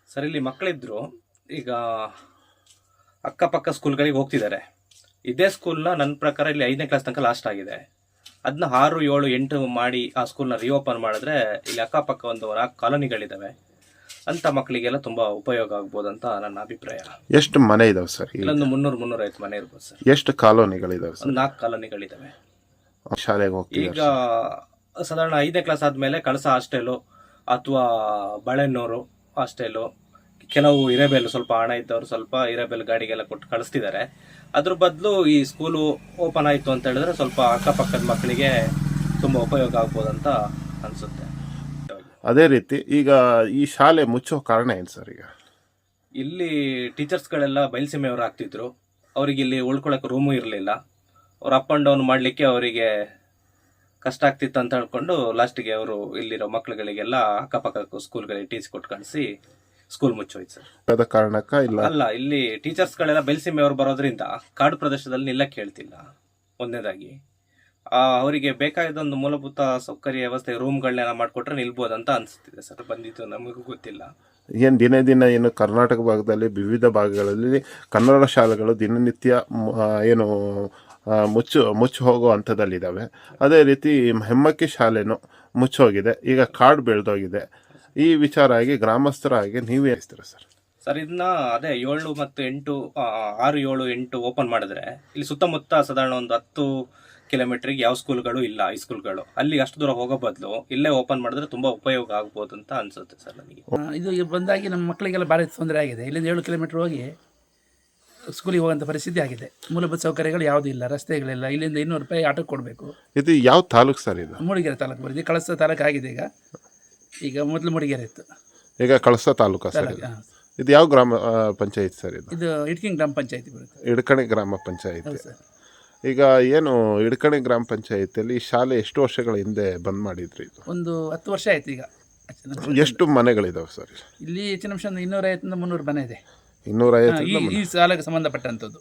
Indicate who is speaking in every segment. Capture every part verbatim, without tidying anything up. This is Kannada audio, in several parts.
Speaker 1: ಸರ್ ಇಲ್ಲಿ ಮಕ್ಕಳಿದ್ರು ಈಗ ಅಕ್ಕಪಕ್ಕ ಸ್ಕೂಲ್ಗಳಿಗೆ ಹೋಗ್ತಿದ್ದಾರೆ. ಇದೇ ಸ್ಕೂಲ್ನ ನನ್ನ ಪ್ರಕಾರ ಇಲ್ಲಿ ಐದನೇ ಕ್ಲಾಸ್ ತನಕ ಲಾಸ್ಟ್ ಆಗಿದೆ. ಅದನ್ನ ಆರು ಏಳು ಎಂಟು ಮಾಡಿ ಆ ಸ್ಕೂಲ್ನ ರಿಓಪನ್ ಮಾಡಿದ್ರೆ ಇಲ್ಲಿ ಅಕ್ಕಪಕ್ಕ ಒಂದು ನಾಲ್ಕು ಕಾಲೋನಿಗಳಿದ್ದಾವೆ, ಅಂತ ಮಕ್ಕಳಿಗೆಲ್ಲ ತುಂಬಾ ಉಪಯೋಗ ಆಗ್ಬೋದು ಅಂತ ನನ್ನ ಅಭಿಪ್ರಾಯ.
Speaker 2: ಎಷ್ಟು ಮನೆ ಇದಾವೆ ಸರ್?
Speaker 1: ಇಲ್ಲೊಂದು ಮುನ್ನೂರು ಮುನ್ನೂರೈವತ್ತು ಮನೆ ಇರ್ಬೋದು ಸರ್.
Speaker 2: ಎಷ್ಟು ಕಾಲೋನಿಗಳಿದಾವೆ ಸರ್?
Speaker 1: ಒಂದು ನಾಲ್ಕು ಕಾಲೋನಿಗಳಿದ್ದಾವೆ.
Speaker 2: ಶಾಲೆಗೆ ಹೋಗ್ತೀವಿ
Speaker 1: ಈಗ ಸಾಧಾರಣ ಐದನೇ ಕ್ಲಾಸ್ ಆದ್ಮೇಲೆ ಕಳಸ ಹಾಸ್ಟೆಲು ಅಥವಾ ಬಾಳೆನ್ನೂರು ಹಾಸ್ಟೆಲು, ಕೆಲವು ಹಿರೇಬೇಲು ಸ್ವಲ್ಪ ಹಣ ಇದ್ದವರು ಸ್ವಲ್ಪ ಹಿರೇಬೇಲು ಗಾಡಿಗೆಲ್ಲ ಕೊಟ್ಟು ಕಳಿಸ್ತಿದ್ದಾರೆ. ಅದ್ರ ಬದಲು ಈ ಸ್ಕೂಲು ಓಪನ್ ಆಯಿತು ಅಂತ ಹೇಳಿದ್ರೆ ಸ್ವಲ್ಪ ಅಕ್ಕಪಕ್ಕದ ಮಕ್ಕಳಿಗೆ ತುಂಬ ಉಪಯೋಗ ಆಗ್ಬೋದು ಅಂತ ಅನಿಸುತ್ತೆ.
Speaker 2: ಅದೇ ರೀತಿ ಈಗ ಈ ಶಾಲೆ ಮುಚ್ಚೋ ಕಾರಣ ಏನು ಸರ್? ಈಗ
Speaker 1: ಇಲ್ಲಿ ಟೀಚರ್ಸ್ಗಳೆಲ್ಲ ಬಯಲುಸೀಮೆಯವರು ಆಗ್ತಿದ್ರು. ಅವರಿಗೆ ಇಲ್ಲಿ ಉಳ್ಕೊಳಕ್ಕೆ ರೂಮು ಇರಲಿಲ್ಲ. ಅವ್ರು ಅಪ್ ಆ್ಯಂಡ್ ಡೌನ್ ಮಾಡಲಿಕ್ಕೆ ಅವರಿಗೆ ಕಷ್ಟ ಆಗ್ತಿತ್ತು ಅಂತ ಹೇಳ್ಕೊಂಡು ಲಾಸ್ಟಿಗೆ ಅವರು ಇಲ್ಲಿರೋ ಮಕ್ಕಳುಗಳಿಗೆಲ್ಲ ಅಕ್ಕಪಕ್ಕ ಸ್ಕೂಲ್ಗಳಿಗೆ ಟೀಚ್ ಕೊಟ್ಟು ಕಳಿಸಿ ಸ್ಕೂಲ್ ಮುಚ್ಚೋಯ್ತು ಸರ್.
Speaker 2: ಅದ ಕಾರಣಕ್ಕ ಇಲ್ಲ
Speaker 1: ಅಲ್ಲ, ಇಲ್ಲಿ ಟೀಚರ್ಸ್ಗಳೆಲ್ಲ ಬಯಲುಸೀಮೆಯವರು ಬರೋದ್ರಿಂದ ಕಾಡು ಪ್ರದೇಶದಲ್ಲಿ ನಿಲ್ಲಕ್ಕೆ ಹೇಳ್ತಿಲ್ಲ. ಒಂದನೇದಾಗಿ ಅವರಿಗೆ ಬೇಕಾದ ಒಂದು ಮೂಲಭೂತ ಸೌಕರ್ಯ ವ್ಯವಸ್ಥೆ ರೂಮ್ಗಳನ್ನೆಲ್ಲ ಮಾಡಿಕೊಟ್ರೆ ನಿಲ್ಬೋದಂತ ಅನಿಸ್ತಿದೆ ಸರ್. ಬಂದಿದ್ದು ನಮಗೂ ಗೊತ್ತಿಲ್ಲ.
Speaker 2: ಏನು ದಿನೇ ದಿನ ಏನು ಕರ್ನಾಟಕ ಭಾಗದಲ್ಲಿ ವಿವಿಧ ಭಾಗಗಳಲ್ಲಿ ಕನ್ನಡ ಶಾಲೆಗಳು ದಿನನಿತ್ಯ ಏನು ಮುಚ್ಚು ಮುಚ್ಚಿ ಹೋಗೋ ಹಂತದಲ್ಲಿದ್ದಾವೆ. ಅದೇ ರೀತಿ ಹೆಮ್ಮಕ್ಕಿ ಶಾಲೆನೂ ಮುಚ್ಚೋಗಿದೆ, ಈಗ ಕಾಡು ಬೆಳೆದೋಗಿದೆ. ಈ ವಿಚಾರ ಆಗಿ ಗ್ರಾಮಸ್ಥರಾಗಿ ನೀವೇ ಹೇಳ್ತೀರ ಸರ್?
Speaker 1: ಸರ್ ಇದನ್ನ ಅದೇ ಏಳು ಮತ್ತು ಎಂಟು ಆರು ಏಳು ಎಂಟು ಓಪನ್ ಮಾಡಿದ್ರೆ ಇಲ್ಲಿ ಸುತ್ತಮುತ್ತ ಸಾಧಾರಣ ಒಂದು ಹತ್ತು ಕಿಲೋಮೀಟ್ರಿಗೆ ಯಾವ ಸ್ಕೂಲ್ಗಳು ಇಲ್ಲ, ಈ ಸ್ಕೂಲ್ಗಳು ಅಲ್ಲಿ ಅಷ್ಟು ದೂರ ಹೋಗೋ ಬದಲು ಇಲ್ಲೇ ಓಪನ್ ಮಾಡಿದ್ರೆ ತುಂಬಾ ಉಪಯೋಗ ಆಗ್ಬೋದು ಅಂತ ಅನ್ಸುತ್ತೆ ಸರ್ ನನಗೆ.
Speaker 3: ಇದು ಬಂದಾಗಿ ನಮ್ಮ ಮಕ್ಕಳಿಗೆಲ್ಲ ಭಾರಿ ತೊಂದರೆ ಆಗಿದೆ. ಇಲ್ಲಿಂದ ಏಳು ಕಿಲೋಮೀಟರ್ ಹೋಗಿ ಸ್ಕೂಲಿಗೆ ಹೋಗೋಂಥ ಪರಿಸ್ಥಿತಿ ಆಗಿದೆ. ಮೂಲಭೂತ ಸೌಕರ್ಯಗಳು ಯಾವುದೂ ಇಲ್ಲ, ರಸ್ತೆಗಳಿಲ್ಲ. ಇಲ್ಲಿಂದ ಇನ್ನೂರು ರೂಪಾಯಿ ಆಟೋಕ್ಕೆ ಕೊಡಬೇಕು.
Speaker 2: ಇದು ಯಾವ ತಾಲೂಕು ಸರ್? ಇದು
Speaker 3: ಮೂಡಿಗೆರೆ ತಾಲೂಕು ಬರುತ್ತೆ. ಕಳಸ ತಾಲೂಕು ಆಗಿದೆ ಈಗ. ಈಗ ಮೊದಲು ಮೂಡಿಗೆರೆ ಇತ್ತು,
Speaker 2: ಈಗ ಕಳಸ ತಾಲೂಕು ಸರ್. ಇದು ಯಾವ ಗ್ರಾಮ ಪಂಚಾಯತ್ ಸರ್? ಇದು
Speaker 3: ಇದು ಇಟ್ಕಿಂಗ್ ಗ್ರಾಮ ಪಂಚಾಯತಿ ಬರುತ್ತೆ.
Speaker 2: ಇಡ್ಕಣಿ ಗ್ರಾಮ ಪಂಚಾಯತಿ. ಈಗ ಏನು ಇಡ್ಕಣಿ ಗ್ರಾಮ ಪಂಚಾಯತಿಯಲ್ಲಿ ಈ ಶಾಲೆ ಎಷ್ಟು ವರ್ಷಗಳ ಹಿಂದೆ ಬಂದ್ ಮಾಡಿದ್ರಿ? ಇದು
Speaker 3: ಒಂದು ಹತ್ತು ವರ್ಷ ಆಯ್ತು. ಈಗ
Speaker 2: ಎಷ್ಟು ಮನೆಗಳಿದಾವೆ ಸರ್
Speaker 3: ಇಲ್ಲಿ? ಹೆಚ್ಚಿನ ಅಂಶ ಒಂದು ಇನ್ನೂರೈವತ್ತರಿಂದ ಮುನ್ನೂರು ಮನೆ ಇದೆ.
Speaker 2: ಇನ್ನೂರೈವತ್ತು
Speaker 3: ಈ ಶಾಲೆಗೆ ಸಂಬಂಧಪಟ್ಟಂಥದ್ದು.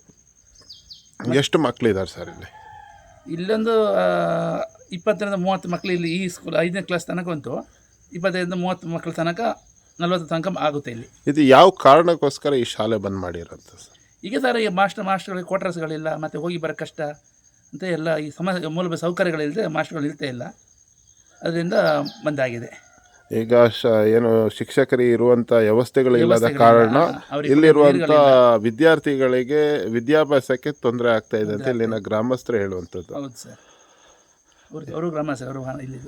Speaker 2: ಎಷ್ಟು ಮಕ್ಕಳಿದ್ದಾರೆ ಸರ್ ಇಲ್ಲಿ?
Speaker 3: ಇಲ್ಲೊಂದು ಇಪ್ಪತ್ತರಿಂದ ಮೂವತ್ತು ಮಕ್ಕಳು ಇಲ್ಲಿ ಈ ಸ್ಕೂಲ್ ಐದನೇ ಕ್ಲಾಸ್ ತನಕ ಉಂಟು. ಇಪ್ಪತ್ತೈದರಿಂದ ಮೂವತ್ತು ಮಕ್ಕಳ ತನಕ ನಲ್ವತ್ತು ತನಕ ಆಗುತ್ತೆ ಇಲ್ಲಿ.
Speaker 2: ಇದು ಯಾವ ಕಾರಣಕ್ಕೋಸ್ಕರ ಈ ಶಾಲೆ ಬಂದ್ ಮಾಡಿರೋಂಥ ಸರ್?
Speaker 3: ಈಗ ಸರ್ ಈ ಮಾಸ್ಟರ್ ಮಾಸ್ಟರ್ಗಳಿಗೆ ಕ್ವಾರ್ಟರ್ಸ್ಗಳಿಲ್ಲ, ಮತ್ತು ಹೋಗಿ ಬರೋ ಕಷ್ಟ ಅಂತ ಎಲ್ಲ ಈ ಸಮಸ್ಯೆ, ಮೂಲಭೂತ ಸೌಕರ್ಯಗಳಿಲ್ಲದೆ ಮಾಸ್ಟರ್ಗಳು ಇರ್ತಾ ಇಲ್ಲ. ಅದರಿಂದ ಬಂದಾಗಿದೆ.
Speaker 2: ಈಗ ಶ ಏನು ಶಿಕ್ಷಕರಿಗೆ ಇರುವಂಥ ವ್ಯವಸ್ಥೆಗಳು ಇಲ್ಲದ ಕಾರಣ ಇಲ್ಲಿರುವಂಥ ವಿದ್ಯಾರ್ಥಿಗಳಿಗೆ ವಿದ್ಯಾಭ್ಯಾಸಕ್ಕೆ ತೊಂದರೆ ಆಗ್ತಾ ಇದೆ ಅಂತ ಇಲ್ಲಿನ ಗ್ರಾಮಸ್ಥರು ಹೇಳುವಂಥದ್ದು.
Speaker 3: ಹೌದು ಸರ್, ಅವರು ಗ್ರಾಮಸ್ಥರು ಅವರು ಇಲ್ಲಿದ್ದು.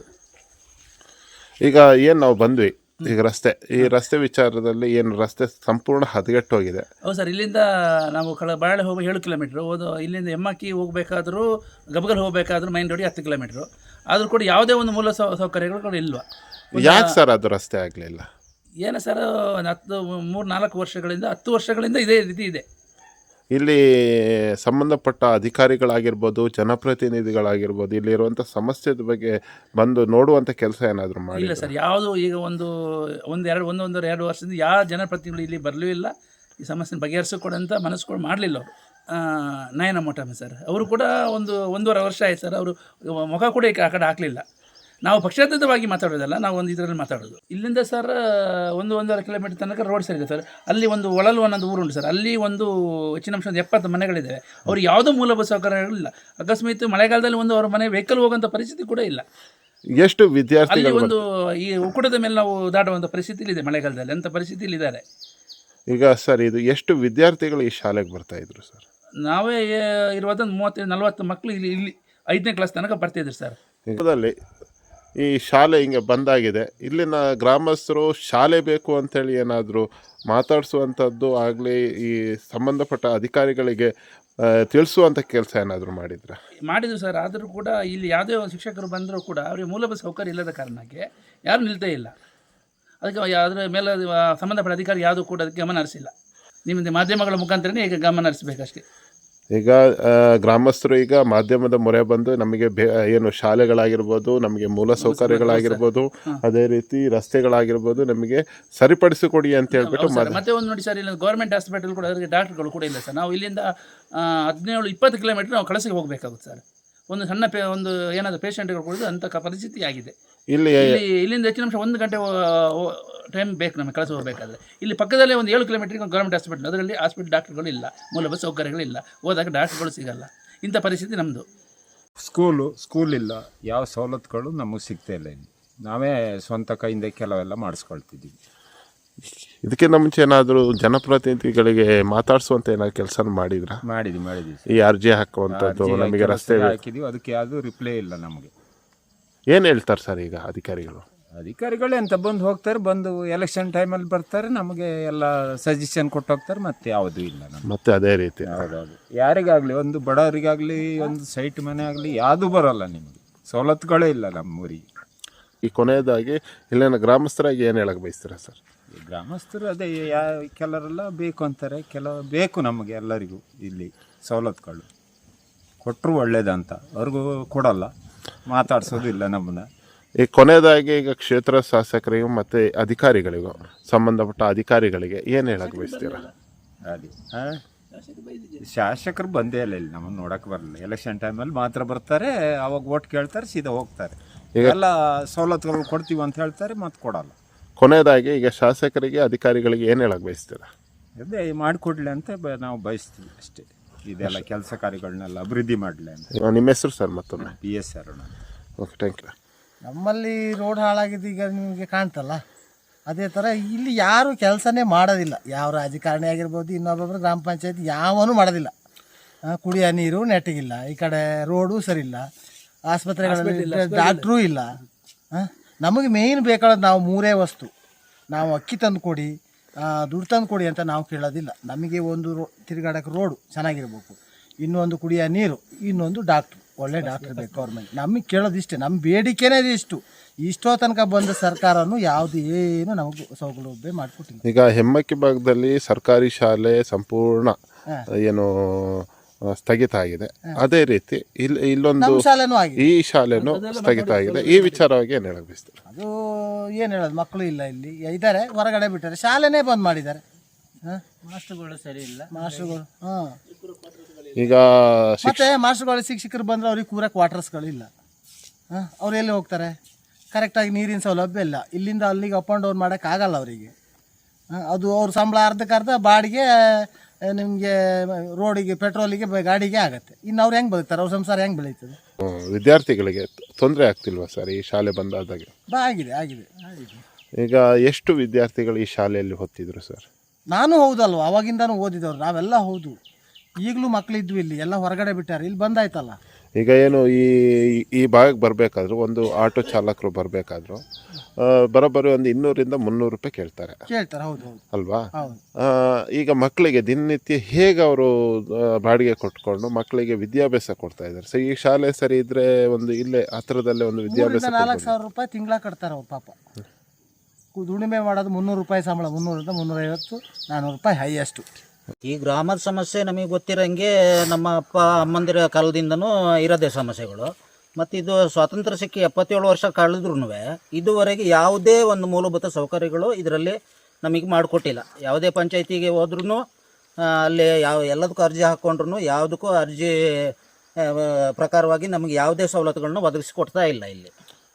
Speaker 2: ಈಗ ಏನು ನಾವು ಬಂದ್ವಿ, ಈಗ ರಸ್ತೆ ಈ ರಸ್ತೆ ವಿಚಾರದಲ್ಲಿ ಏನು ರಸ್ತೆ ಸಂಪೂರ್ಣ ಹದಗೆಟ್ಟೋಗಿದೆ.
Speaker 3: ಹೌದು ಸರ್, ಇಲ್ಲಿಂದ ನಾವು ಕಳ ಬಾಳೆ ಹೋಗಿ ಏಳು ಕಿಲೋಮೀಟ್ರು ಹೋದು, ಇಲ್ಲಿಂದ ಎಮ್ಮಕ್ಕಿ ಹೋಗಬೇಕಾದ್ರೂ ಗಬಗಲ್ ಹೋಗಬೇಕಾದ್ರೂ ಮೈನ್ ರೋಡಿಗೆ ಹತ್ತು ಕಿಲೋಮೀಟ್ರು ಆದರೂ ಕೂಡ ಯಾವುದೇ ಒಂದು ಮೂಲ ಸೌ ಸೌಕರ್ಯಗಳು ಕೂಡ ಇಲ್ವಾ?
Speaker 2: ಯಾಕೆ ಸರ್ ಅದು ರಸ್ತೆ ಆಗಲಿಲ್ಲ?
Speaker 3: ಏನು ಸರ್, ಹತ್ತು ಮೂರು ನಾಲ್ಕು ವರ್ಷಗಳಿಂದ ಹತ್ತು ವರ್ಷಗಳಿಂದ ಇದೇ ರೀತಿ ಇದೆ.
Speaker 2: ಇಲ್ಲಿ ಸಂಬಂಧಪಟ್ಟ ಅಧಿಕಾರಿಗಳಾಗಿರ್ಬೋದು, ಜನಪ್ರತಿನಿಧಿಗಳಾಗಿರ್ಬೋದು, ಇಲ್ಲಿರುವಂಥ ಸಮಸ್ಯೆದ ಬಗ್ಗೆ ಬಂದು ನೋಡುವಂಥ ಕೆಲಸ ಏನಾದರೂ ಮಾಡಿ?
Speaker 3: ಇಲ್ಲ ಸರ್, ಯಾವುದು ಈಗ ಒಂದು ಒಂದು ಎರಡು ಒಂದು ಒಂದೂವರೆ ಎರಡು ವರ್ಷದಿಂದ ಯಾವ ಜನಪ್ರತಿನಿಧಿಗಳು ಇಲ್ಲಿ ಬರಲೂ ಇಲ್ಲ. ಈ ಸಮಸ್ಯೆ ಬಗೆಹರಿಸಿಕೊಡಂತ ಮನಸ್ಸುಗಳು ಮಾಡಲಿಲ್ಲ ಅವರು. ನಯನ ಮೊಟಮ ಸರ್ ಅವರು ಕೂಡ ಒಂದು ಒಂದೂವರೆ ವರ್ಷ ಆಯ್ತು ಸರ್, ಅವರು ಮುಖ ಕೂಡ ಆ ಕಡೆ ಹಾಕಲಿಲ್ಲ. ನಾವು ಪಕ್ಷಾತೀತವಾಗಿ ಮಾತಾಡೋದಲ್ಲ, ನಾವು ಒಂದು ಇದರಲ್ಲಿ ಮಾತಾಡೋದು. ಇಲ್ಲಿಂದ ಸರ್ ಒಂದು ಒಂದೂವರೆ ಕಿಲೋಮೀಟರ್ ತನಕ ರೋಡ್ ಸರ್ ಇದೆ ಸರ್. ಅಲ್ಲಿ ಒಂದು ಒಳಲು ಅನ್ನೋದು ಊರುಂಟು ಸರ್. ಅಲ್ಲಿ ಒಂದು ಹೆಚ್ಚಿನ ಅಂಶ ಒಂದು ಎಪ್ಪತ್ತು ಮನೆಗಳಿದ್ದಾವೆ. ಅವ್ರು ಯಾವುದೋ ಮೂಲಭೂತ ಸೌಕರ್ಯಗಳಿಲ್ಲ. ಅಕಸ್ಮಾತ್ ಮಳೆಗಾಲದಲ್ಲಿ ಒಂದು ಅವ್ರ ಮನೆ ವೆಹಿಕಲ್ ಹೋಗೋಂಥ ಪರಿಸ್ಥಿತಿ ಕೂಡ ಇಲ್ಲ.
Speaker 2: ಎಷ್ಟು ವಿದ್ಯಾರ್ಥಿಗಳು
Speaker 3: ಅಲ್ಲಿ ಒಂದು ಈ ಉಕ್ಕುಟದ ಮೇಲೆ ನಾವು ದಾಟುವಂಥ ಪರಿಸ್ಥಿತಿ ಇದೆ ಮಳೆಗಾಲದಲ್ಲಿ, ಅಂಥ ಪರಿಸ್ಥಿತಿಯಲ್ಲಿ ಇದ್ದಾರೆ. ಈಗ
Speaker 2: ಸರ್ ಇದು ಎಷ್ಟು ವಿದ್ಯಾರ್ಥಿಗಳು ಈ ಶಾಲೆಗೆ ಬರ್ತಾ ಇದ್ರು ಸರ್?
Speaker 3: ನಾವೇ ಇರುವುದೊಂದು ಮೂವತ್ತೈದು ನಲ್ವತ್ತು ಮಕ್ಕಳು ಇಲ್ಲಿ ಇಲ್ಲಿ ಐದನೇ ಕ್ಲಾಸ್ ತನಕ ಬರ್ತಾಯಿದ್ರು ಸರ್.
Speaker 2: ಇದರಲ್ಲಿ ಈ ಶಾಲೆ ಹಿಂಗೆ ಬಂದಾಗಿದೆ, ಇಲ್ಲಿನ ಗ್ರಾಮಸ್ಥರು ಶಾಲೆ ಬೇಕು ಅಂತೇಳಿ ಏನಾದರೂ ಮಾತಾಡಿಸುವಂಥದ್ದು ಆಗಲಿ, ಈ ಸಂಬಂಧಪಟ್ಟ ಅಧಿಕಾರಿಗಳಿಗೆ ತಿಳಿಸುವಂಥ ಕೆಲಸ ಏನಾದರೂ ಮಾಡಿದ್ರೆ?
Speaker 3: ಮಾಡಿದ್ರು ಸರ್. ಆದರೂ ಕೂಡ ಇಲ್ಲಿ ಯಾವುದೇ ಒಂದು ಶಿಕ್ಷಕರು ಬಂದರೂ ಕೂಡ ಅವರಿಗೆ ಮೂಲಭೂತ ಸೌಕರ್ಯ ಇಲ್ಲದ ಕಾರಣಕ್ಕೆ ಯಾರೂ ನಿಲ್ತೇ ಇಲ್ಲ. ಅದಕ್ಕೆ ಅದರ ಮೇಲೆ ಸಂಬಂಧಪಟ್ಟ ಅಧಿಕಾರಿ ಯಾವುದೂ ಕೂಡ ಅದಕ್ಕೆ ಗಮನ ಹರಿಸಿಲ್ಲ. ನಿಮ್ಮದು ಮಾಧ್ಯಮಗಳ ಮುಖಾಂತರನೇ ಈಗ ಗಮನ ಹರಿಸಬೇಕಷ್ಟೇ.
Speaker 2: ಈಗ ಗ್ರಾಮಸ್ಥರು ಈಗ ಮಾಧ್ಯಮದ ಮೊರೆ ಬಂದು ನಮಗೆ ಬೇ ಏನು ಶಾಲೆಗಳಾಗಿರ್ಬೋದು, ನಮಗೆ ಮೂಲ ಸೌಕರ್ಯಗಳಾಗಿರ್ಬೋದು, ಅದೇ ರೀತಿ ರಸ್ತೆಗಳಾಗಿರ್ಬೋದು ನಮಗೆ ಸರಿಪಡಿಸಿಕೊಡಿ ಅಂತ ಹೇಳ್ಬಿಟ್ಟು
Speaker 3: ಮತ್ತೆ ಒಂದು ನೋಡಿ ಸರ್, ಇಲ್ಲಿ ಗೌರ್ಮೆಂಟ್ ಹಾಸ್ಪಿಟಲ್ ಕೂಡ ಅದಕ್ಕೆ ಡಾಕ್ಟರ್ಗಳು ಕೂಡ ಇಲ್ಲ ಸರ್. ನಾವು ಇಲ್ಲಿಂದ ಹದಿನೇಳು ಇಪ್ಪತ್ತು ಕಿಲೋಮೀಟರ್ ನಾವು ಕಳಸಿಗೆ ಹೋಗಬೇಕಾಗುತ್ತೆ ಸರ್. ಒಂದು ಸಣ್ಣ ಪೇ ಒಂದು ಏನಾದರೂ ಪೇಷಂಟ್ಗಳು ಕೊಡೋದು ಅಂಥ ಕ- ಪರಿಸ್ಥಿತಿ ಆಗಿದೆ.
Speaker 2: ಇಲ್ಲಿ
Speaker 3: ಇಲ್ಲಿ ಇಲ್ಲಿಂದ ಹೆಚ್ಚಿನ ಅಂಶ ಒಂದು ಗಂಟೆ ಟೈಮ್ ಬೇಕು ನಮಗೆ ಕೆಲಸ ಹೋಗಬೇಕಾದ್ರೆ. ಇಲ್ಲಿ ಪಕ್ಕದಲ್ಲೇ ಒಂದು ಏಳು ಕಿಲೋಮೀಟರ್ಗೆ ಒಂದು ಗೌರ್ಮೆಂಟ್ ಹಾಸ್ಪಿಟಲ್, ಅದರಲ್ಲಿ ಹಾಸ್ಪಿಟಲ್ ಡಾಕ್ಟರ್ಗಳು ಇಲ್ಲ, ಮೂಲಭೂತ ಸೌಕರ್ಯಗಳಿಲ್ಲ, ಹೋದಾಗ ಡಾಕ್ಟರ್ಗಳು ಸಿಗಲ್ಲ. ಇಂಥ ಪರಿಸ್ಥಿತಿ ನಮ್ಮದು.
Speaker 4: ಸ್ಕೂಲು ಸ್ಕೂಲ್ ಇಲ್ಲ, ಯಾವ ಸವಲತ್ತುಗಳು ನಮಗೆ ಸಿಗ್ತಾ ಇಲ್ಲ. ಇಲ್ಲಿ ನಾವೇ ಸ್ವಂತ ಕೈಯಿಂದ ಕೆಲವೆಲ್ಲ ಮಾಡಿಸ್ಕೊಳ್ತಿದ್ದೀವಿ.
Speaker 2: ಇದಕ್ಕಿಂತ ಮುಂಚೆ ಏನಾದರೂ ಜನಪ್ರತಿನಿಧಿಗಳಿಗೆ ಮಾತಾಡಿಸುವಂತ ಏನಾದ್ರು ಕೆಲಸ ಮಾಡಿದ್ರ?
Speaker 4: ಮಾಡಿದ್ವಿ ಮಾಡಿದ್ವಿ
Speaker 2: ಈ ಅರ್ಜಿ ಹಾಕುವಂಥದ್ದು, ನಮಗೆ ರಸ್ತೆ
Speaker 4: ಹಾಕಿದ್ದೀವಿ, ಅದಕ್ಕೆ ಯಾವುದೂ ರಿಪ್ಲೈ ಇಲ್ಲ ನಮಗೆ.
Speaker 2: ಏನು ಹೇಳ್ತಾರೆ ಸರ್ ಈಗ ಅಧಿಕಾರಿಗಳು?
Speaker 4: ಅಧಿಕಾರಿಗಳು ಎಂತ ಬಂದು ಹೋಗ್ತಾರೆ, ಬಂದು ಎಲೆಕ್ಷನ್ ಟೈಮಲ್ಲಿ ಬರ್ತಾರೆ, ನಮಗೆ ಎಲ್ಲ ಸಜೆಷನ್ ಕೊಟ್ಟು ಹೋಗ್ತಾರೆ, ಮತ್ತೆ ಯಾವುದೂ ಇಲ್ಲ ನಮಗೆ.
Speaker 2: ಮತ್ತೆ ಅದೇ ರೀತಿ
Speaker 4: ಹೌದೌದು, ಯಾರಿಗಾಗಲಿ, ಒಂದು ಬಡವರಿಗಾಗಲಿ, ಒಂದು ಸೈಟ್ ಮನೆ ಆಗಲಿ ಯಾವುದೂ ಬರೋಲ್ಲ ನಿಮಗೆ, ಸವಲತ್ತುಗಳೇ ಇಲ್ಲ ನಮ್ಮೂರಿಗೆ.
Speaker 2: ಈ ಕೊನೆಯದಾಗಿ ಇಲ್ಲಿನ ಗ್ರಾಮಸ್ಥರಾಗಿ ಏನು ಹೇಳಕ್ಕೆ ಬಯಸ್ತೀರಾ ಸರ್?
Speaker 4: ಈ ಗ್ರಾಮಸ್ಥರು ಅದೇ ಯಾ ಕೆಲವರೆಲ್ಲ ಬೇಕು ಅಂತಾರೆ, ಕೆಲವು ಬೇಕು ನಮಗೆ ಎಲ್ಲರಿಗೂ. ಇಲ್ಲಿ ಸವಲತ್ತುಗಳು ಕೊಟ್ಟರು ಒಳ್ಳೇದಂತ, ಅವ್ರಿಗೂ ಕೊಡಲ್ಲ, ಮಾತಾಡ್ಸೋದು ಇಲ್ಲ ನಮ್ಮನ್ನ.
Speaker 2: ಈ ಕೊನೆಯದಾಗಿ ಈಗ ಕ್ಷೇತ್ರ ಶಾಸಕರಿಗೂ ಮತ್ತು ಅಧಿಕಾರಿಗಳಿಗೂ, ಸಂಬಂಧಪಟ್ಟ ಅಧಿಕಾರಿಗಳಿಗೆ ಏನು ಹೇಳಕ್ಕೆ ಬಯಸ್ತೀರಾ?
Speaker 4: ಅದೇ ಹಾಂ, ಶಾಸಕರು ಬಂದೇ ಇಲ್ಲ ಇಲ್ಲಿ, ನಮ್ಮನ್ನು ನೋಡೋಕೆ ಬರಲ್ಲ. ಎಲೆಕ್ಷನ್ ಟೈಮಲ್ಲಿ ಮಾತ್ರ ಬರ್ತಾರೆ, ಅವಾಗ ಓಟ್ ಕೇಳ್ತಾರೆ, ಸೀದಾ ಹೋಗ್ತಾರೆ. ಎಲ್ಲ ಸವಲತ್ತುಗಳು ಕೊಡ್ತೀವಿ ಅಂತ ಹೇಳ್ತಾರೆ, ಮತ್ತೆ ಕೊಡಲ್ಲ.
Speaker 2: ಕೊನೆಯದಾಗಿ ಈಗ ಶಾಸಕರಿಗೆ ಅಧಿಕಾರಿಗಳಿಗೆ ಏನು ಹೇಳಕ್ಕೆ ಬಯಸ್ತೀರಾ?
Speaker 4: ಅದೇ ಮಾಡಿಕೊಡ್ಲಿ ಅಂತ ಬ- ನಾವು ಬಯಸ್ತೀವಿ ಅಷ್ಟೇ. ಇದೆಲ್ಲ ಕೆಲಸ ಕಾರ್ಯಗಳನ್ನೆಲ್ಲ ಅಭಿವೃದ್ಧಿ ಮಾಡಲಿ ಅಂತ.
Speaker 2: ನಿಮ್ಮ ಹೆಸರು ಸರ್ ಮತ್ತೊಮ್ಮೆ?
Speaker 4: P S Aruna.
Speaker 2: Okay, thank you.
Speaker 5: ನಮ್ಮಲ್ಲಿ ರೋಡ್ ಹಾಳಾಗಿದ್ದು ಈಗ ನಿಮಗೆ ಕಾಣ್ತಲ್ಲ, ಅದೇ ಥರ ಇಲ್ಲಿ ಯಾರು ಕೆಲಸನೇ ಮಾಡೋದಿಲ್ಲ. ಯಾವ ರಾಜಕಾರಣಿ ಆಗಿರ್ಬೋದು, ಇನ್ನೊಬ್ಬೊಬ್ಬರು ಗ್ರಾಮ ಪಂಚಾಯತ್ ಯಾವನೂ ಮಾಡೋದಿಲ್ಲ. ಆ, ಕುಡಿಯೋ ನೀರು ನೆಟ್ಟಿಗಿಲ್ಲ, ಈ ಕಡೆ ರೋಡು ಸರಿಯಿಲ್ಲ, ಆಸ್ಪತ್ರೆಗಳಲ್ಲಿ ಡಾಕ್ಟ್ರೂ ಇಲ್ಲ. ಆ, ನಮಗೆ ಮೇಯ್ನ್ ಬೇಕಾದ ನಾವು ಮೂರೇ ವಸ್ತು. ನಾವು ಅಕ್ಕಿ ತಂದು ಕೊಡಿ, ದುಡ್ಡು ತಂದು ಕೊಡಿ ಅಂತ ನಾವು ಕೇಳೋದಿಲ್ಲ. ನಮಗೆ ಒಂದು ರೋ ತಿರುಗಾಡೋಕ್ಕೆ ರೋಡು ಚೆನ್ನಾಗಿರ್ಬೇಕು, ಇನ್ನೊಂದು ಕುಡಿಯೋ ನೀರು, ಇನ್ನೊಂದು ಡಾಕ್ಟ್ರು, ಒಳ್ಳೆ ಡಾಕ್ಟ್ರ್ ಬೇಕು ಗೌರ್ಮೆಂಟ್. ನಮಗೆ ಕೇಳೋದಿಷ್ಟೇ, ನಮ್ಮ ಬೇಡಿಕೆನೇ ಇಷ್ಟು. ಇಷ್ಟೋ ತನಕ ಬಂದ ಸರ್ಕಾರನು ಯಾವುದು ಏನು ನಮಗೆ ಸೌಲಭ್ಯ ಮಾಡಿಕೊಟ್ಟಿಲ್ಲ.
Speaker 2: ಈಗ ಹೆಮ್ಮಕ್ಕಿ ಭಾಗದಲ್ಲಿ ಸರ್ಕಾರಿ ಶಾಲೆ ಸಂಪೂರ್ಣ ಏನು ಆ, ಸ್ಥಗಿತ ಆಗಿದೆ. ಅದೇ ರೀತಿ ಇಲ್ಲಿ ಇಲ್ಲೊಂದು
Speaker 5: ನಮ್ಮ ಶಾಲೆನೂ ಆಗಿದೆ,
Speaker 2: ಈ ಶಾಲೆನೂ ಸ್ಥಗಿತ ಆಗಿದೆ. ಈ ವಿಚಾರವಾಗಿ ಏನು ಹೇಳಕ್ ಬಯಸ್ತೀರಾ?
Speaker 5: ಅದು ಏನು ಹೇಳೋದು, ಮಕ್ಕಳು ಇಲ್ಲ ಇಲ್ಲಿ ಇದ್ದಾರೆ, ಹೊರಗಡೆ ಬಿಟ್ಟಾರೆ, ಶಾಲೆನೇ ಬಂದ್ ಮಾಡಿದ್ದಾರೆ. ಹಾಂ,
Speaker 6: ಮಾಸ್ಟರ್ಗಳು ಸರಿ ಇಲ್ಲ,
Speaker 5: ಮಾಸ್ಟರ್ಗಳು. ಹಾಂ,
Speaker 2: ಈಗ
Speaker 5: ಮತ್ತೆ ಮಾಸ್ಟರ್ಗಳು ಶಿಕ್ಷಕರು ಬಂದರೆ ಅವ್ರಿಗೆ ಕೂರಕ್ಕೆ ವಾಟರ್ಸ್ಗಳಿಲ್ಲ. ಹಾಂ, ಅವ್ರು ಎಲ್ಲಿ ಹೋಗ್ತಾರೆ? ಕರೆಕ್ಟಾಗಿ ನೀರಿನ ಸೌಲಭ್ಯ ಇಲ್ಲ. ಇಲ್ಲಿಂದ ಅಲ್ಲಿಗೆ ಅಪ್ ಆ್ಯಂಡ್ ಡೌನ್ ಮಾಡೋಕ್ಕಾಗಲ್ಲ ಅವರಿಗೆ. ಅದು ಅವ್ರ ಸಂಬಳ ಅರ್ಧಕ್ಕರ್ಧ ಬಾಡಿಗೆ ನಿಮಗೆ ರೋಡಿಗೆ, ಪೆಟ್ರೋಲಿಗೆ, ಗಾಡಿಗೆ ಆಗುತ್ತೆ. ಇನ್ನು ಅವ್ರು ಹೆಂಗೆ ಬದುಕ್ತಾರೆ? ಅವ್ರ ಸಂಸಾರ ಹೆಂಗೆ ಬೆಳೀತದೆ?
Speaker 2: ಹ್ಮ್, ವಿದ್ಯಾರ್ಥಿಗಳಿಗೆ ತೊಂದರೆ ಆಗ್ತಿಲ್ವಾ ಸರ್ ಈ ಶಾಲೆ ಬಂದಾದಾಗ?
Speaker 5: ಬಾ ಆಗಿದೆ ಆಗಿದೆ ಆಗಿದೆ.
Speaker 2: ಈಗ ಎಷ್ಟು ವಿದ್ಯಾರ್ಥಿಗಳು ಈ ಶಾಲೆಯಲ್ಲಿ ಓದ್ತಿದ್ರು ಸರ್?
Speaker 5: ನಾನು ಹೌದಲ್ವ, ಅವಾಗಿಂದನೂ ಓದಿದವ್ರು ನಾವೆಲ್ಲ. ಹೌದು, ಈಗಲೂ ಮಕ್ಕಳಿದ್ವು ಇಲ್ಲಿ, ಎಲ್ಲ ಹೊರಗಡೆ ಬಿಟ್ಟಾರೆ, ಇಲ್ಲಿ ಬಂದಾಯ್ತಲ್ಲ.
Speaker 2: ಈಗ ಏನು ಈ ಈ ಭಾಗಕ್ಕೆ ಬರಬೇಕಾದ್ರೂ ಒಂದು ಆಟೋ ಚಾಲಕರು ಬರಬೇಕಾದ್ರೂ ಬರೋಬ್ಬರಿ ಒಂದು ಇನ್ನೂರಿಂದ ಮುನ್ನೂರು ರೂಪಾಯಿ ಕೇಳ್ತಾರೆ
Speaker 5: ಕೇಳ್ತಾರೆ. ಹೌದು ಹೌದು
Speaker 2: ಅಲ್ವಾ?
Speaker 5: ಹೌದು.
Speaker 2: ಆ, ಈಗ ಮಕ್ಕಳಿಗೆ ದಿನನಿತ್ಯ ಹೇಗೆ ಅವರು ಬಾಡಿಗೆ ಕೊಟ್ಕೊಂಡು ಮಕ್ಕಳಿಗೆ ವಿದ್ಯಾಭ್ಯಾಸ ಕೊಡ್ತಾ ಇದ್ದಾರೆ? ಸೊ ಈ ಶಾಲೆ ಸರಿ ಇದ್ರೆ ಒಂದು ಇಲ್ಲೇ ಹತ್ರದಲ್ಲೇ ಒಂದು ವಿದ್ಯಾಭ್ಯಾಸ
Speaker 5: ಮೂರರಿಂದ ನಾಲ್ಕು ಸಾವಿರ ರೂಪಾಯಿ ತಿಂಗಳ ಕಟ್ತಾರೆ ಅವ್ರು ಪಾಪ. ಕು- ದುಡಿಮೆ ಮಾಡೋದು ಮುನ್ನೂರು ರೂಪಾಯಿ ಸಂಬಳ, ಮುನ್ನೂರಿಂದ ಮುನ್ನೂರೈವತ್ತು ನಾನ್ನೂರು ರೂಪಾಯಿ ಹೈಯೆಸ್ಟು.
Speaker 6: ಈ ಗ್ರಾಮದ ಸಮಸ್ಯೆ ನಮಗೆ ಗೊತ್ತಿರೋಂಗೆ ನಮ್ಮ ಅಪ್ಪ ಅಮ್ಮಂದಿರ ಕಾಲದಿಂದನೂ ಇರೋದೇ ಸಮಸ್ಯೆಗಳು. ಮತ್ತು ಇದು ಸ್ವಾತಂತ್ರ್ಯ ಸಿಕ್ಕಿ ಎಪ್ಪತ್ತೇಳು ವರ್ಷ ಕಳೆದ್ರೂ ಇದುವರೆಗೆ ಯಾವುದೇ ಒಂದು ಮೂಲಭೂತ ಸೌಕರ್ಯಗಳು ಇದರಲ್ಲಿ ನಮಗೆ ಮಾಡಿಕೊಟ್ಟಿಲ್ಲ. ಯಾವುದೇ ಪಂಚಾಯತಿಗೆ ಹೋದ್ರೂ ಅಲ್ಲಿ ಯಾವ ಎಲ್ಲದಕ್ಕೂ ಅರ್ಜಿ ಹಾಕ್ಕೊಂಡ್ರು ಯಾವುದಕ್ಕೂ ಅರ್ಜಿ ಆ, ಪ್ರಕಾರವಾಗಿ ನಮಗೆ ಯಾವುದೇ ಸವಲತ್ತುಗಳನ್ನ ಒದಗಿಸಿಕೊಡ್ತಾ ಇಲ್ಲ ಇಲ್ಲಿ.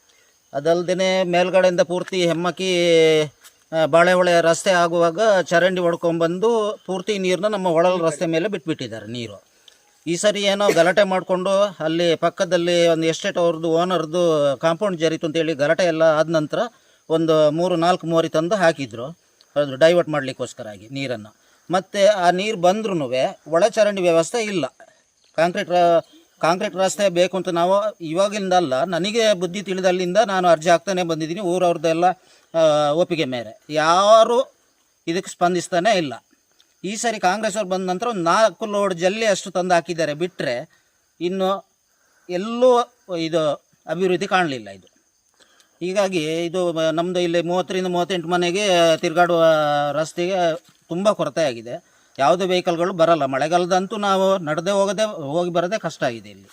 Speaker 6: ಅದಲ್ಲದೆ ಮೇಲ್ಗಡೆಯಿಂದ ಪೂರ್ತಿ ಹೆಮ್ಮಕ್ಕಿ ಆ, ಬಾಳೆಹೊಳೆ ರಸ್ತೆ ಆಗುವಾಗ ಚರಂಡಿ ಹೊಡ್ಕೊಂಡ್ಬಂದು ಪೂರ್ತಿ ನೀರನ್ನ ನಮ್ಮ ಹೊಳಲ್ ರಸ್ತೆ ಮೇಲೆ ಬಿಟ್ಬಿಟ್ಟಿದ್ದಾರೆ ನೀರು. ಈ ಸರಿ ಏನೋ ಗಲಾಟೆ ಮಾಡಿಕೊಂಡು ಅಲ್ಲಿ ಪಕ್ಕದಲ್ಲಿ ಒಂದು ಎಸ್ಟೇಟ್ ಅವ್ರದ್ದು ಓನರ್ದು ಕಾಂಪೌಂಡ್ ಜರಿತು ಅಂತೇಳಿ ಗಲಾಟೆ ಎಲ್ಲ ಆದ ನಂತರ ಒಂದು ಮೂರು ನಾಲ್ಕು ಮೋರಿ ತಂದು ಹಾಕಿದ್ರು, ಅದು ಡೈವರ್ಟ್ ಮಾಡಲಿಕ್ಕೋಸ್ಕರ ಆಗಿ ನೀರನ್ನು. ಮತ್ತು ಆ ನೀರು ಬಂದ್ರೂ ಒಳ ಚರಂಡಿ ವ್ಯವಸ್ಥೆ ಇಲ್ಲ. ಕಾಂಕ್ರೀಟ್ ಕಾಂಕ್ರೀಟ್ ರಸ್ತೆ ಬೇಕು ಅಂತ ನಾವು ಇವಾಗಿಂದ ಅಲ್ಲ, ನನಗೆ ಬುದ್ಧಿ ತಿಳಿದಲ್ಲಿಂದ ನಾನು ಅರ್ಜಿ ಹಾಕ್ತಾನೆ ಬಂದಿದ್ದೀನಿ. ಊರವ್ರದ್ದೆಲ್ಲ ಒಪ್ಪಿಗೆ ಮೇರೆ ಯಾರು ಇದಕ್ಕೆ ಸ್ಪಂದಿಸ್ತಾನೆ ಇಲ್ಲ. ಈ ಸರಿ ಕಾಂಗ್ರೆಸ್ ಅವ್ರು ಬಂದ ನಂತರ ಒಂದು ನಾಲ್ಕು ಲೋಡ್ ಜಲ್ಲಿ ಅಷ್ಟು ತಂದು ಹಾಕಿದ್ದಾರೆ, ಬಿಟ್ಟರೆ ಇನ್ನು ಎಲ್ಲೂ ಇದು ಅಭಿವೃದ್ಧಿ ಕಾಣಲಿಲ್ಲ ಇದು. ಹೀಗಾಗಿ ಇದು ನಮ್ಮದು ಇಲ್ಲಿ ಮೂವತ್ತರಿಂದ ಮೂವತ್ತೆಂಟು ಮನೆಗೆ ತಿರುಗಾಡುವ ರಸ್ತೆಗೆ ತುಂಬ ಕೊರತೆ ಆಗಿದೆ. ಯಾವುದೇ ವೆಹಿಕಲ್ಗಳು ಬರಲ್ಲ. ಮಳೆಗಾಲದಂತೂ ನಾವು ನಡೆದೇ ಹೋಗದೆ ಹೋಗಿ ಬರೋದೇ ಕಷ್ಟ ಆಗಿದೆ ಇಲ್ಲಿ.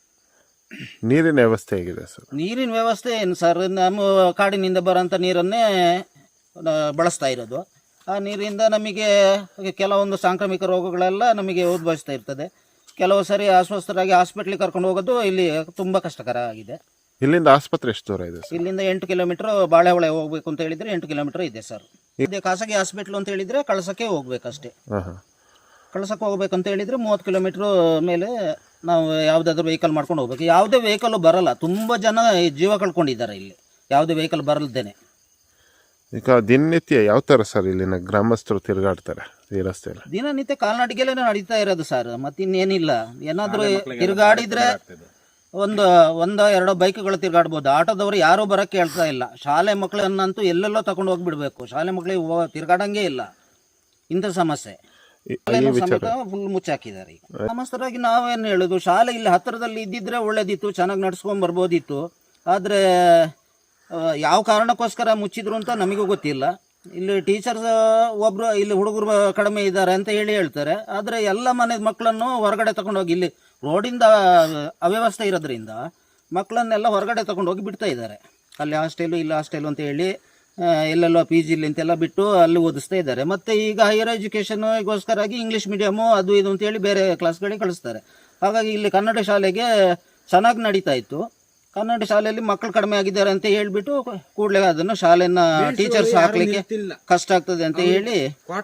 Speaker 2: ನೀರಿನ ವ್ಯವಸ್ಥೆ ಹೇಗಿದೆ ಸರ್?
Speaker 6: ನೀರಿನ ವ್ಯವಸ್ಥೆ ಏನು ಸರ್, ನಮ್ಮ ಕಾಡಿನಿಂದ ಬರೋಂಥ ನೀರನ್ನೇ ಆ, ಬಳಸ್ತಾ ಇರೋದು. ಆ ನೀರಿಂದ ನಮಗೆ ಕೆಲವೊಂದು ಸಾಂಕ್ರಾಮಿಕ ರೋಗಗಳೆಲ್ಲ ನಮಗೆ ಉದ್ಭವಿಸ್ತಾ ಇರ್ತದೆ. ಕೆಲವು ಸರಿ ಅಸ್ವಸ್ಥರಾಗಿ ಹಾಸ್ಪಿಟ್ಲಿಗೆ ಕರ್ಕೊಂಡು ಹೋಗೋದು ಇಲ್ಲಿ ತುಂಬ ಕಷ್ಟಕರ ಆಗಿದೆ.
Speaker 2: ಇಲ್ಲಿಂದ ಆಸ್ಪತ್ರೆ ಎಷ್ಟು ದೂರ ಇದೆ ಸರ್?
Speaker 6: ಇಲ್ಲಿಂದ ಎಂಟು ಕಿಲೋಮೀಟರ್ ಬಾಳೆಹೊಳೆ ಹೋಗ್ಬೇಕು ಅಂತ ಹೇಳಿದ್ರೆ ಎಂಟು ಕಿಲೋಮೀಟರ್ ಇದೆ ಸರ್. ಇದೇ ಖಾಸಗಿ ಹಾಸ್ಪಿಟ್ಲು ಅಂತ ಹೇಳಿದ್ರೆ ಕಳಸಕ್ಕೆ ಹೋಗ್ಬೇಕಷ್ಟೇ.
Speaker 2: ಹಾಂ ಹಾಂ.
Speaker 6: ಕಳ್ಸಕ್ಕೆ ಹೋಗ್ಬೇಕು ಅಂತ ಹೇಳಿದ್ರೆ ಮೂವತ್ತು ಕಿಲೋಮೀಟ್ರ್ ಮೇಲೆ ನಾವು ಯಾವುದಾದ್ರೂ ವೆಹಿಕಲ್ ಮಾಡ್ಕೊಂಡು ಹೋಗ್ಬೇಕು. ಯಾವುದೇ ವೆಹಿಕಲ್ಲು ಬರಲ್ಲ, ತುಂಬ ಜನ ಜೀವ ಕಳ್ಕೊಂಡಿದ್ದಾರೆ ಇಲ್ಲಿ ಯಾವುದೇ ವೆಹಿಕಲ್ ಬರಲ್ದೇನೆ.
Speaker 2: ಈಗ ದಿನನಿತ್ಯ ಯಾವ ಥರ ಸರ್ ಇಲ್ಲಿನ ಗ್ರಾಮಸ್ಥರು ತಿರುಗಾಡ್ತಾರೆ ಈ ರಸ್ತೆಯಲ್ಲಿ?
Speaker 6: ದಿನನಿತ್ಯ ಕಾಲ್ನಡಿಗೆಲೇ ನಡೀತಾ ಇರೋದು ಸರ್, ಮತ್ತಿನ್ನೇನಿಲ್ಲ. ಏನಾದರೂ ತಿರುಗಾಡಿದ್ರೆ ಒಂದು ಒಂದೋ ಎರಡೋ ಬೈಕ್ಗಳು ತಿರುಗಾಡ್ಬೋದು. ಆಟೋದವರು ಯಾರೂ ಬರೋಕ್ಕೆ ಹೇಳ್ತಾ ಇಲ್ಲ. ಶಾಲೆ ಮಕ್ಕಳನ್ನಂತೂ ಎಲ್ಲೆಲ್ಲೋ ತಗೊಂಡು ಹೋಗಿಬಿಡ್ಬೇಕು. ಶಾಲೆ ಮಕ್ಕಳಿಗೆ ಹೋ ತಿರುಗಾಡಂಗೆ ಇಲ್ಲ. ಇಂಥ ಸಮಸ್ಯೆ ಸಮೇತ ಫುಲ್ ಮುಚ್ಚಾಕಿದ್ದಾರೆ. ಈಗ ಗ್ರಾಮಸ್ಥರಾಗಿ ನಾವೇನು ಹೇಳೋದು, ಶಾಲೆ ಇಲ್ಲಿ ಹತ್ತಿರದಲ್ಲಿ ಇದ್ದಿದ್ರೆ ಒಳ್ಳೇದಿತ್ತು, ಚೆನ್ನಾಗಿ ನಡ್ಸ್ಕೊಂಡ್ ಬರ್ಬೋದಿತ್ತು. ಆದರೆ ಯಾವ ಕಾರಣಕ್ಕೋಸ್ಕರ ಮುಚ್ಚಿದ್ರು ಅಂತ ನಮಗೂ ಗೊತ್ತಿಲ್ಲ. ಇಲ್ಲಿ ಟೀಚರ್ಸ್ ಒಬ್ರು ಇಲ್ಲಿ ಹುಡುಗರು ಕಡಿಮೆ ಇದ್ದಾರೆ ಅಂತ ಹೇಳಿ ಹೇಳ್ತಾರೆ. ಆದರೆ ಎಲ್ಲ ಮನೆ ಮಕ್ಕಳನ್ನು ಹೊರಗಡೆ ತಗೊಂಡೋಗಿ, ಇಲ್ಲಿ ರೋಡಿಂದ ಅವ್ಯವಸ್ಥೆ ಇರೋದ್ರಿಂದ ಮಕ್ಕಳನ್ನೆಲ್ಲ ಹೊರಗಡೆ ತಗೊಂಡೋಗಿ ಬಿಡ್ತಾ ಇದ್ದಾರೆ. ಅಲ್ಲಿ ಹಾಸ್ಟೆಲು ಇಲ್ಲ ಹಾಸ್ಟೆಲು ಅಂತ ಹೇಳಿ ಎಲ್ಲೆಲ್ಲೋ ಪಿ ಜಿಲಿ ಅಂತೆಲ್ಲ ಬಿಟ್ಟು ಅಲ್ಲಿ ಓದಿಸ್ತಾ ಇದ್ದಾರೆ. ಮತ್ತು ಈಗ ಹೈಯರ್ ಎಜುಕೇಷನ್ಗೋಸ್ಕರಾಗಿ ಇಂಗ್ಲೀಷ್ ಮೀಡಿಯಮು ಅದು ಇದು ಅಂತೇಳಿ ಬೇರೆ ಕ್ಲಾಸ್ಗಳಿಗೆ ಕಳಿಸ್ತಾರೆ. ಹಾಗಾಗಿ ಇಲ್ಲಿ ಕನ್ನಡ ಶಾಲೆಗೆ ಚೆನ್ನಾಗಿ ನಡೀತಾ ಇತ್ತು. ಕನ್ನಡ ಶಾಲೆಯಲ್ಲಿ ಮಕ್ಕಳು ಕಡಿಮೆ ಆಗಿದ್ದಾರೆ ಅಂತ ಹೇಳಿಬಿಟ್ಟು ಕೂಡಲೇ ಅದನ್ನು ಶಾಲೆನ ಟೀಚರ್ಸ್ ಹಾಕ್ಲಿಕ್ಕೆ ಕಷ್ಟ ಆಗ್ತದೆ ಅಂತ ಹೇಳಿ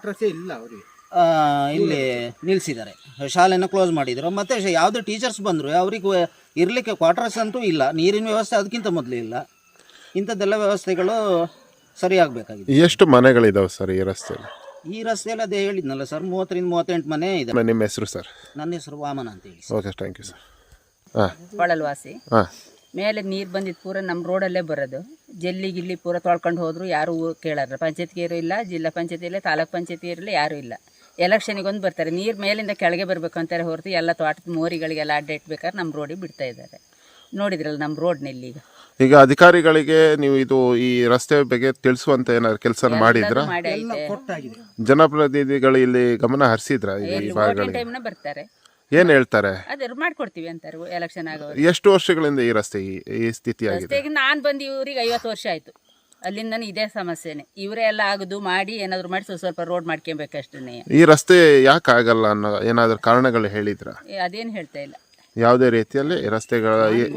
Speaker 6: ಇಲ್ಲಿ ನಿಲ್ಲಿಸಿದ್ದಾರೆ, ಶಾಲೆನ ಕ್ಲೋಸ್ ಮಾಡಿದ್ರು. ಮತ್ತು ಯಾವುದೇ ಟೀಚರ್ಸ್ ಬಂದರು ಅವ್ರಿಗೆ ಇರಲಿಕ್ಕೆ ಕ್ವಾರ್ಟರ್ಸ್ ಅಂತೂ ಇಲ್ಲ, ನೀರಿನ ವ್ಯವಸ್ಥೆ ಅದಕ್ಕಿಂತ ಮೊದಲು ಇಲ್ಲ. ಇಂಥದ್ದೆಲ್ಲ ವ್ಯವಸ್ಥೆಗಳು ಸರಿಯಾಗಬೇಕಾಗಿದೆ.
Speaker 2: ಎಷ್ಟು ಮನೆಗಳಿದಾವೆ ಸರ್ ಈ ರಸ್ತೆಯಲ್ಲಿ?
Speaker 6: ಈ ರಸ್ತೆಯಲ್ಲಿ ಅದೇ ಹೇಳಿದ್ನಲ್ಲ ಸರ್, ಮೂವತ್ತರಿಂದ ಮೂವತ್ತೆಂಟು ಮನೆ ಇದೆ.
Speaker 2: ನಿಮ್ಮ ಹೆಸರು ಸರ್?
Speaker 6: ನನ್ನ ಹೆಸರು ವಾಮನ ಅಂತ ಹೇಳಿ.
Speaker 2: Okay, thank you sir. ಹಾಂ,
Speaker 7: ಕೊಳಲ್ವಾಸಿ.
Speaker 2: ಹಾಂ,
Speaker 7: ಮೇಲೆ ನೀರು ಬಂದಿದ್ದು ಪೂರ ನಮ್ಮ ರೋಡಲ್ಲೇ ಬರೋದು. ಜಲ್ಲಿ ಗಿಲ್ಲಿ ಪೂರ ತೊಳ್ಕೊಂಡು ಹೋದ್ರು ಯಾರು ಕೇಳಾರ. ಪಂಚಾಯತ್ಗೇರು ಇಲ್ಲ, ಜಿಲ್ಲಾ ಪಂಚಾಯತಿ ಇಲ್ಲ, ತಾಲೂಕ್ ಪಂಚಾಯತಿ ಇರಲಿ, ಯಾರೂ ಇಲ್ಲ. ಎಲೆಕ್ಷನಿಗೊಂದು ಬರ್ತಾರೆ, ನೀರು ಮೇಲಿಂದ ಕೆಳಗೆ ಬರಬೇಕು ಅಂತಾರೆ ಹೊರತು ಎಲ್ಲ ತೋಟದ ಮೋರಿಗಳಿಗೆಲ್ಲ ಅಡ್ಡ ಇಟ್ಬೇಕಾದ್ರೆ ನಮ್ಮ ರೋಡಿಗೆ ಬಿಡ್ತಾ ಇದ್ದಾರೆ. ನೋಡಿದ್ರಲ್ಲ ನಮ್ಮ ರೋಡ್ನಲ್ಲಿ ಈಗ.
Speaker 2: ಈಗ ಅಧಿಕಾರಿಗಳಿಗೆ ನೀವು ಇದು ಈ ರಸ್ತೆ ಬಗ್ಗೆ ತಿಳಿಸುವಂತ ಏನಾದ್ರು ಕೆಲಸ ಮಾಡಿದ್ರ?
Speaker 7: ಮಾಡಿ ಐತೆ.
Speaker 2: ಜನಪ್ರತಿನಿಧಿಗಳು ಇಲ್ಲಿ ಗಮನ ಹರಿಸಿದ್ರ? ಈ ಭಾಗಗಳಿಗೆ
Speaker 7: ಟೈಮ್ನ ಬರ್ತಾರೆ,
Speaker 2: ಏನ್ ಹೇಳ್ತಾರೆ?
Speaker 7: ಅದೇ ಮಾಡ್ಕೊಡ್ತೀವಿ ಅಂತಾರೆ ಎಲೆಕ್ಷನ್ ಆಗೋರು.
Speaker 2: ಎಷ್ಟು ವರ್ಷಗಳಿಂದ ಈ ರಸ್ತೆ ಈ- ಈ ಸ್ಥಿತಿ ಆಗಿದೆ?
Speaker 7: ರಸ್ತೆಗೆ ನಾನು ಬಂದು ಇವ್ರಿಗೆ ಐವತ್ತು ವರ್ಷ ಆಯ್ತು. ಅಲ್ಲಿಂದ ಇದೇ ಸಮಸ್ಯೆನೆ. ಇವರೇ ಎಲ್ಲ ಆಗುದು ಮಾಡಿ ಏನಾದ್ರು ಮಾಡಿ ಸ್ವಲ್ಪ ಸ್ವಲ್ಪ ರೋಡ್ ಮಾಡ್ಕೊಬೇಕಷ್ಟೇ.
Speaker 2: ಈ ರಸ್ತೆ ಯಾಕೆ ಆಗಲ್ಲ ಅನ್ನೋ ಏನಾದ್ರು ಕಾರಣಗಳು ಹೇಳಿದ್ರ?
Speaker 7: ಅದೇನು ಹೇಳ್ತಾ ಇಲ್ಲ.
Speaker 2: ಯಾವುದೇ ರೀತಿಯಲ್ಲಿ ರಸ್ತೆಗಳ
Speaker 7: ರೋಡ್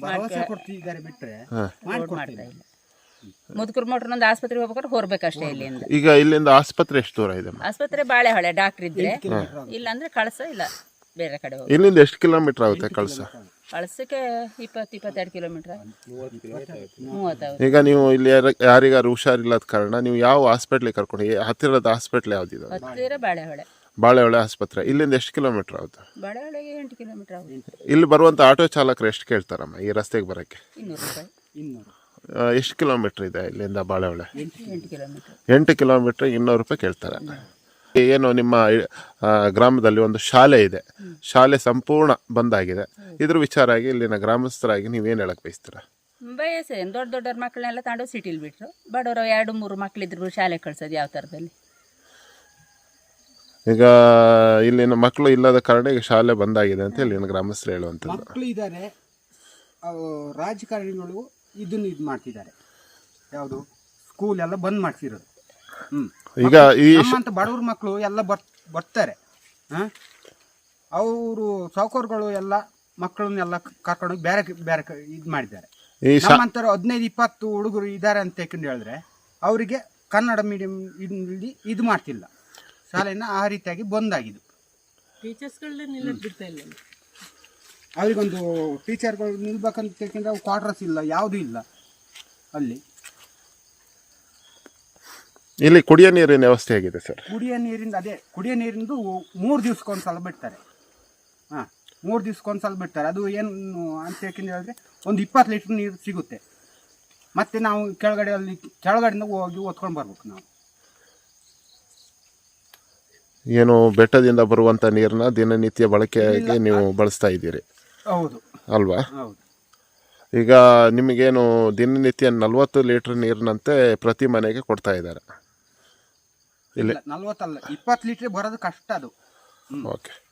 Speaker 7: ಮಾಡ್ತಾ ಇಲ್ಲ. ಮುದುಕರು ಮೋಟ್ರ್ ಒಂದು ಆಸ್ಪತ್ರೆಗೆ ಹೋಗ್ಬೇಕಾದ್ರೆ ಹೊರಬೇಕಷ್ಟೇ ಇಲ್ಲಿಂದ.
Speaker 2: ಈಗ ಇಲ್ಲಿಂದ ಆಸ್ಪತ್ರೆ ಎಷ್ಟು ದೂರ ಇದೆ?
Speaker 7: ಆಸ್ಪತ್ರೆ ಬಾಳೆಹೊಳೆ ಡಾಕ್ಟರ್ ಇದ್ರೆ, ಇಲ್ಲ ಅಂದ್ರೆ ಕಳಸ, ಇಲ್ಲ ಬೇರೆ ಕಡೆ ಹೋಗಿ.
Speaker 2: ಇಲ್ಲಿಂದ ಎಷ್ಟು ಕಿಲೋಮೀಟರ್ ಆಗುತ್ತೆ ಕಳಸ?
Speaker 7: ಕಳಸಕ್ಕೆ ಇಪ್ಪತ್ತು ಇಪ್ಪತ್ತೆರಡು ಕಿಲೋಮೀಟರ್ ಮೂವತ್ತಾಗುತ್ತೆ.
Speaker 2: ಈಗ ನೀವು ಇಲ್ಲಿ ಯಾರ- ಯಾರಿಗಾರು ಹುಷಾರಿಲ್ಲದ ಕಾರಣ ನೀವು ಯಾವ ಹಾಸ್ಪಿಟ್ಲಿಗೆ ಕರ್ಕೊಂಡು, ಹತ್ತಿರದ ಹಾಸ್ಪಿಟ್ಲ್ ಯಾವ್ದಿದೆ?
Speaker 7: ಹತ್ತಿರ ಬಾಳೆಹೊಳೆ.
Speaker 2: ಬಾಳೆಹೊಳೆ ಆಸ್ಪತ್ರೆ. ಇಲ್ಲಿಂದ ಎಷ್ಟು ಕಿಲೋಮೀಟರ್ ಆಗುತ್ತೆ?
Speaker 7: ಬಾಳೆಹೊಳೆಗೆ ಎಂಟು ಕಿಲೋಮೀಟರ್ ಆಗುತ್ತೆ.
Speaker 2: ಇಲ್ಲಿ ಬರುವಂತ ಆಟೋ ಚಾಲಕರು ಎಷ್ಟು ಕೇಳ್ತಾರಮ್ಮ ಈ ರಸ್ತೆಗೆ ಬರಕ್ಕೆ?
Speaker 7: ಇನ್ನೂರು ರೂಪಾಯಿ.
Speaker 2: ಆ, ಎಷ್ಟು ಕಿಲೋಮೀಟರ್ ಇದೆ ಇಲ್ಲಿಂದ ಬಾಳೆಹೊಳೆ?
Speaker 7: ಎಂಟು ಕಿಲೋಮೀಟರ್.
Speaker 2: ಎಂಟು ಕಿಲೋಮೀಟರ್ ಇನ್ನೂರು ರೂಪಾಯಿ ಕೇಳ್ತಾರೆ. ಏನು ನಿಮ್ಮ ಆ, ಗ್ರಾಮದಲ್ಲಿ ಒಂದು ಶಾಲೆ ಇದೆ, ಶಾಲೆ ಸಂಪೂರ್ಣ ಬಂದಾಗಿದೆ. ಇದ್ರ ವಿಚಾರ ಆಗಿ ಇಲ್ಲಿನ ಗ್ರಾಮಸ್ಥರಾಗಿ ನೀವೇನು ಹೇಳಕ್ ಬಯಸ್ತೀರಾ?
Speaker 7: ಬಯಸೇನು, ದೊಡ್ಡ ದೊಡ್ಡವ್ರ ಮಕ್ಕಳನ್ನೆಲ್ಲ ತಗೊಂಡು ಸಿಟಿಲಿ ಬಿಟ್ರು. ಬಡವರು ಎರಡು ಮೂರು ಮಕ್ಕಳಿದ್ರು ಶಾಲೆ ಕಳ್ಸೋದು ಯಾವ ಥರದಲ್ಲಿ?
Speaker 2: ಈಗ ಇಲ್ಲಿನ ಮಕ್ಕಳು ಇಲ್ಲದ ಕಾರಣ ಈಗ ಶಾಲೆ ಬಂದಾಗಿದೆ ಅಂತ ಇಲ್ಲಿನ ಗ್ರಾಮಸ್ಥರು ಹೇಳುವಂಥದ್ದು.
Speaker 8: ಮಕ್ಕಳು ಇದ್ದಾರೆ, ರಾಜಕಾರಣಿಗಳು ಇದನ್ನು ಇದು ಮಾಡ್ತಿದ್ದಾರೆ. ಯಾವುದು ಸ್ಕೂಲ್ ಎಲ್ಲ ಬಂದ್ ಮಾಡ್ತಿರೋದು. ಹ್ಮ್
Speaker 2: ಈಗ ಈ
Speaker 8: ನಮ್ಮಂತ ಬಡವ್ರ ಮಕ್ಕಳು ಎಲ್ಲ ಬರ್ ಬರ್ತಾರೆ. ಹಾಂ, ಅವರು ಸಾವುಕಾರಗಳು ಎಲ್ಲ ಮಕ್ಕಳನ್ನೆಲ್ಲ ಕರ್ಕೊಂಡೋಗಿ ಬೇರೆ ಬೇರೆ ಇದು ಮಾಡಿದ್ದಾರೆ.
Speaker 2: ಈ ಶಾ
Speaker 8: ನಮ್ಮಂತರ ಹದಿನೈದು ಇಪ್ಪತ್ತು ಹುಡುಗರು ಇದ್ದಾರೆ ಅಂತ ಯಾಕಂದು ಹೇಳಿದ್ರೆ ಅವರಿಗೆ ಕನ್ನಡ ಮೀಡಿಯಂ ಇಲ್ಲಿ ಇದು ಮಾಡ್ತಿಲ್ಲ. ಶಾಲೆನ ಆ ರೀತಿಯಾಗಿ ಬಂದಾಗಿದ್ದು. ಅವರಿಗೊಂದು ಟೀಚರ್ಗಳು ನಿಲ್ಬೇಕಂತ ಯಾಕೆಂದ್ರೆ ಅವು ಕ್ವಾರ್ಟರ್ಸ್ ಇಲ್ಲ, ಯಾವುದೂ ಇಲ್ಲ ಅಲ್ಲಿ.
Speaker 2: ಇಲ್ಲಿ ಕುಡಿಯೋ ನೀರಿನ ವ್ಯವಸ್ಥೆ ಹೇಗಿದೆ ಸರ್?
Speaker 8: ಕುಡಿಯೋ ನೀರಿಂದ ಅದೇ ಕುಡಿಯೋ ನೀರಿಂದು ಮೂರು ದಿವ್ಸಕ್ಕೊಂದ್ಸಲ ಬಿಡ್ತಾರೆ. ಹಾಂ, ಮೂರು ದಿವ್ಸಕ್ಕೊಂದ್ಸಲ ಬಿಡ್ತಾರೆ. ಅದು ಏನು ಅಂತ ಯಾಕೆಂದ್ರೆ ಹೇಳಿದ್ರೆ ಒಂದು ಇಪ್ಪತ್ತು ಲೀಟ್ರ್ ನೀರು ಸಿಗುತ್ತೆ. ಮತ್ತು ನಾವು ಕೆಳಗಡೆ ಅಲ್ಲಿ ಕೆಳಗಡೆಯಿಂದ ಹೋಗಿ ಓದ್ಕೊಂಡು ಬರ್ಬೇಕು ನಾವು.
Speaker 2: ಏನು ಬೆಟ್ಟದಿಂದ ಬರುವಂತ ನೀರನ್ನ ದಿನನಿತ್ಯ ಬಳಕೆಯಾಗಿ ನೀವು ಬಳಸ್ತಾ ಇದ್ದೀರಿ
Speaker 8: ಹೌದು
Speaker 2: ಅಲ್ವಾ?
Speaker 8: ಹೌದು.
Speaker 2: ಈಗ ನಿಮಗೇನು ದಿನನಿತ್ಯ ನಲ್ವತ್ತು ಲೀಟರ್ ನೀರಿನಂತೆ ಪ್ರತಿ ಮನೆಗೆ ಕೊಡ್ತಾ ಇದ್ದಾರೆ ಇಲ್ಲಿ?
Speaker 8: ನಲ್ವತ್ತಲ್ಲ, ಇಪ್ಪತ್ತು ಲೀಟ್ರ್ ಬರೋದು ಕಷ್ಟ ಅದು.
Speaker 2: ಓಕೆ.